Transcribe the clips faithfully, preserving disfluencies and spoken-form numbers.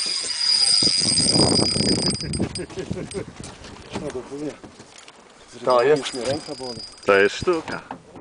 To jest. To jest sztuka.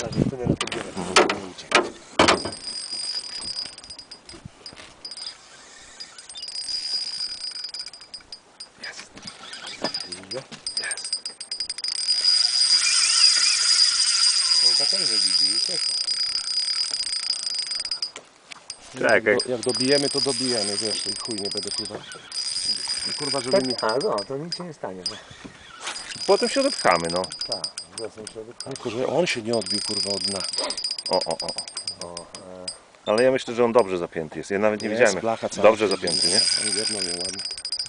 Czekaj. Jak dobijemy, to dobijemy, wiesz, i chuj nie będę kurwa. Kurwa, żeby mi... A, no, to nic się nie stanie. No. Potem się odepchamy, no. Tak, wiosną się odepchamy. Tylko, że on się nie odbił kurwa od dna. O, o, o. o. Ale ja myślę, że on dobrze zapięty jest. Ja nawet nie Jest, widziałem. blacha cała. Dobrze zapięty, nie? On jedno nie ładnie.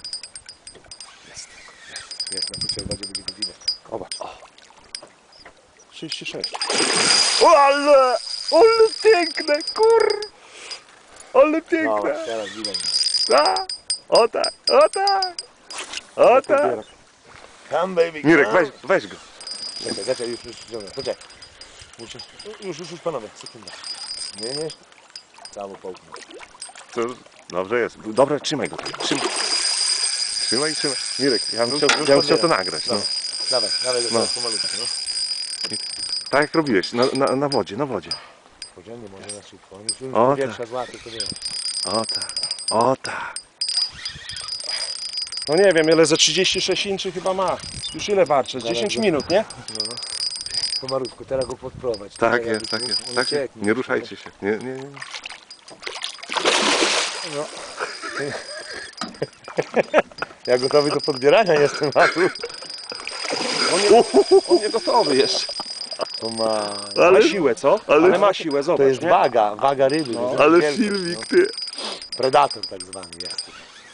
Jak na pociągadzie będzie godzina. Zobacz. trzydzieści sześć. O, ale! Ale piękne, kur! Ale No, piękne! teraz widać. A, o tak, o tak! O tak! Come baby, Mirek, come. weź, weź go. Czekaj, czekaj, już, już, już, poczekaj. Muszę, już, już, już, panowie, sekunda. Nie, nie. Prawo połknę. To dobrze jest. Dobra, trzymaj go. Trzymaj. Trzymaj, trzymaj. Mirek, ja bym chciał, ja bym chciał to nagrać. No. Dawaj, dawaj go No. teraz pomalutku, no. Tak jak robiłeś, na, na, na wodzie, na wodzie. Podzielnie może na szybko. On już już O, powietrza złapie, to wiesz. O tak, o tak. No nie wiem, ile ze trzydzieści sześć inczy chyba ma. Już ile warczy? Z dziesięć minut, nie? No, no. Pomalutku, teraz go podprowadź. Tak Teraz jest, już tak on jest. Tak, ucieknie. nie ruszajcie się. Nie, nie, nie. No. Ja gotowy do podbierania jestem, a tu On nie, on nie gotowy jeszcze. to ma... Ale- Ma siłę, co? ale- Ale ma siłę, zobacz, To jest nie? waga, waga ryby. No. to jest Ale wielkość, filmik, no. ty. Predator tak zwany jest.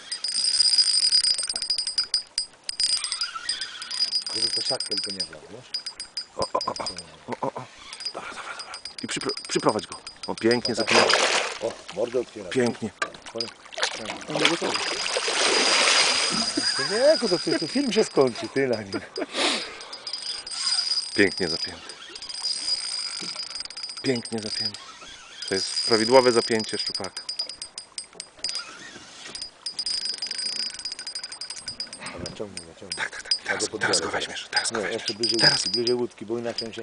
Żeby to siatkę tylko nie wlał, wiesz? O, o, o, o, o, o. Dobra, dobra, dobra. I przypro, przyprowadź go. O, pięknie, zapięty. O, mordę otwiera. Pięknie. On nie gotowy. To nie, to, to, to film się skończy, ty na nim. Pięknie zapięty. Pięknie zapięty. To jest prawidłowe zapięcie szczupaka. Dobra, ciągnij, ciągnij. Tak, tak, tak. Ja Teraz, go teraz go podbiorę. weźmiesz. Teraz go Nie, weźmiesz. jeszcze bliżej Teraz. łódki, bliżej łódki, bo inaczej on się...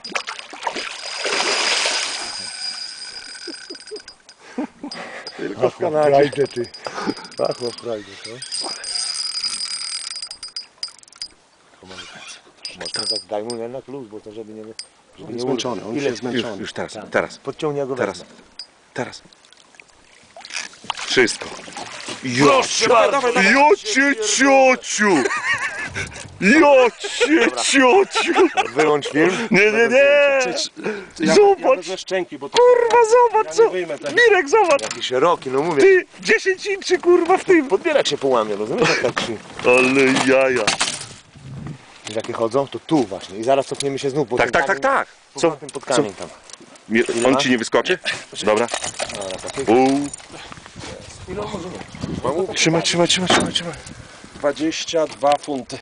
Tylko w Kanadzie. Kanadzie. Frajdę, ty. Pachło frajdę, to. Mocno tak daj mu jednak luz, bo to żeby nie... Żeby On jest nie zmęczony, on Ile? się Już, zmęczony. już teraz, Tak. teraz, Podciągnij, ja go teraz, wezmę. teraz. Wszystko. Proszę bardzo. Jocie ciociu! Jocie ciociu! Wyłącz film. Nie, nie, nie! Ja, Zobacz! ja wezmę szczęki, bo to... Kurwa, zobacz Ja co! nie wyjmę tego. Mirek, zobacz! Jaki szeroki, no mówię. Ty, dziesięć inczy kurwa w tym! Podbierak się połamie, rozumiesz? Jak tak się... Ale jaja! Jakie chodzą, to tu właśnie. I zaraz cofniemy się znów, bo Tak, ten tak, tak, kamień- tak! Co? Co? Tym pod kamień tam. Mi- Ile On ma? ci nie wyskoczy? Dobra. Dobra, tak. Pół. Ile on może mieć? Trzymaj, trzymaj, trzymaj, trzymaj, trzymaj. dwadzieścia dwa funty.